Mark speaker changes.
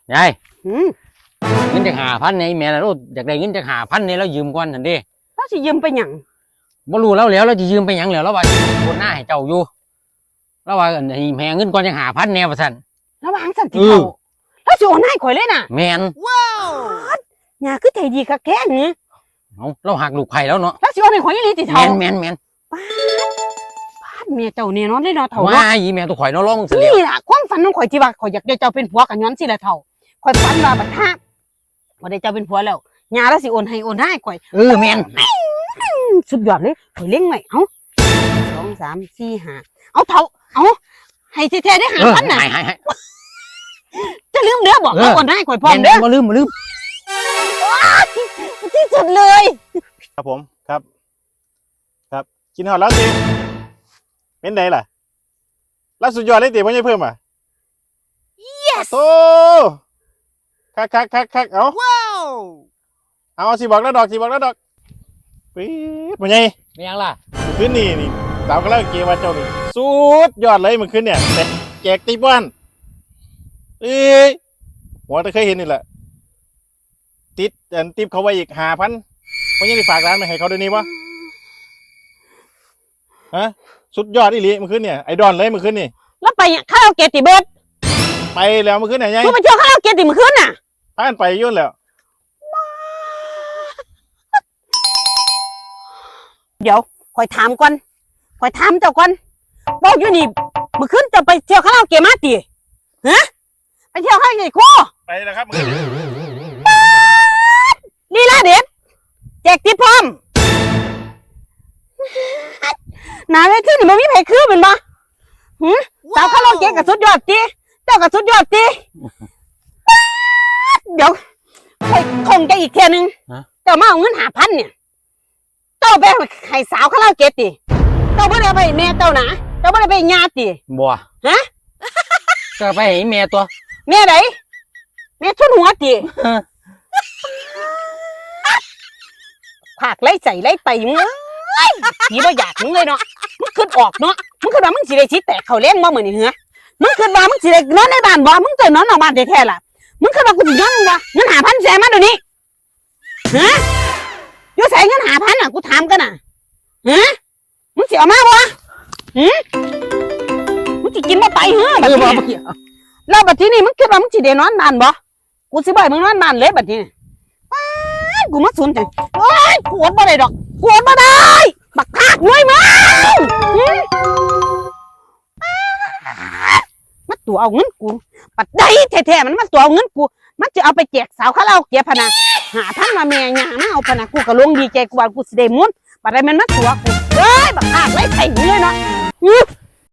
Speaker 1: ยายเงินจะ5,000ในแม่นะลูกอยากได้เงินจะ5,000ในแล้วยืมก่อนทันที
Speaker 2: เราสิยืมไปหยัง
Speaker 1: บ่รู้แล้วเราจะยืมไปหยังแล้วว่าคนหน้าให้เจ้าอยู่แล้วว่าให้แม่เงินก่อนจะ5,000แน่ว่าซั่น
Speaker 2: ระวังสั่นที่เขาแล้วสิโอนให้ข่อยเลยน่ะ
Speaker 1: แม่น
Speaker 2: ว้าวย่าคือใจดีคักแท้นี่
Speaker 1: เราหักลูกไผ่แล้วเนาะ
Speaker 2: แล้วสิโอนให้ข่อยอีหลีติเฒ่า
Speaker 1: แม่น
Speaker 2: ป้าดเมียเจ้านี่เนาะเลยเนาะเฒ่า
Speaker 1: ว่าอีแม่ตัวข่อยเนาะร้อง
Speaker 2: นี่ล่ะความฝันของข่อยที่ว่าข่อยอยากได้เจ้าเป็นผัวกันย้อนสิล่ะเฒ่าข่อยฝันว่าบัดท่าบ่ได้เจ้าเป็นผัวแล้วย่าแล้วสิโอนให้ข่อย
Speaker 1: แม่น
Speaker 2: สุดยอดเลยข่อยเล็งไว้เอ้า2 3 4 5เอาเฒ่าเอาให้แท้ๆได้5,000น่ะ
Speaker 1: ให้
Speaker 2: จะลืมเด้อบอกเอาโอนให้ข่อยพร้อมเด้อ
Speaker 1: บ่ลืม
Speaker 2: ที่สุดเลย
Speaker 3: ครับผมครับกินหอดแล้วสิเป็นไงล่ะแล้วสุดยอดเลยติพ่อใหญ่เพิ่มอ่ะ
Speaker 2: yes
Speaker 3: โตคักเอาว้าวเอาสิบอกแล้วดอกปี๊ดพ่อใหญ่
Speaker 1: ไม่ยังล่ะ
Speaker 3: คืนนี่สาวก็เล่าเกมว่าเจ้านี่สุดยอดเลยเมื่อคืนเนี่ยแต่แจกตีบ้านหัวจะเคยเห็นนี่แหละติดเขาไว้อีก5,000พ่อใหญ่ได้ฝากร้านไปให้เขาด้วยนี่วะฮะสุดยอดอีหลีเมื่อคืนเนี่ยไอดอลเลยเมื่อคืนนี่
Speaker 2: แล้วไปคาราโอเกะติเบิร์ด
Speaker 3: ไปแล้วเมื่อคืนเนี่ยยัง
Speaker 2: ไปเที่ยวคาราโอเกะติเมื่อคืนน่ะ
Speaker 3: พากันไปยุ่นแล้ว
Speaker 2: เดี๋ยวคอยถามเจ้าก่อนบอกอยู่นี่เมื่อคืนจะไปเที่ยวคาราโอเกะมาติฮะไปเที่ยวคาราโอเกะโค
Speaker 3: ไปแล้วครับ
Speaker 2: ลีลาเด็ดแจกติดพร้อมหนาเวทีนี่มันมีไผคือเป็นบ่สาวคาราโอเกะกับสุดยอดติเจ้ากับสุดยอดติเดี๋ยวคงจะอีกเที่ยนึงเจ้ามาเอาเงิน5,000เนี่ยเจ้าไปให้สาวคาราโอเกะติเจ้าไม่ได้ไปแม่เจ้านะเจ้าไม่ได้ไปญาติ
Speaker 1: บ่
Speaker 2: ฮะ
Speaker 1: เจ้าไปให้แม่ตัว
Speaker 2: แม่ไหนแม่ทุนหัวติผากไล่ใจไล่ไปมึงผีบ่อยากมึงเลยเนาะมึงขึ้นออกเนาะมึงขึ้นมามึงสิได้ชี้แตกเขาเล่นบ่เหมือนนี่เหรอมึงขึ้นมามึงสิได้นอนในบ้านบ่มึงจะนอนนอกบ้านแท้ๆล่ะมึงขึ้นมากูสิย้อนมึงว่าเงิน5,000แสนมาเดี๋ยวนี้ฮะอยู่ใส่เงิน5,000อ่ะกูถามกันน่ะฮะมึงสิเอามาบ่มึงสิกินบ่ไปเหรอบัดนี้แล้วบัดนี้มึงคิดว่ามึงสิได้นอนบ้านบ่กูสิบ่ให้มึงนอนบ้านเลยบัดนี้กูมาสนใจโอ๊ยกูอดบ่ได้ดอกกูอดบ่ได้บักภาครวยมึงมาตัวเอาเงินกูปัดได้แท้ๆมันมาตัวเอาเงินกูมันจะเอาไปแจกสาวคาราโอเกะพะนะ5,000มาแม่ย่ามาเอาพะนะกูก็ลงดีใจกูว่ากูสิได้มุนบัดได้มันมาตัวกูเอ้ยบักภาคไล่ไถเลยเนาะ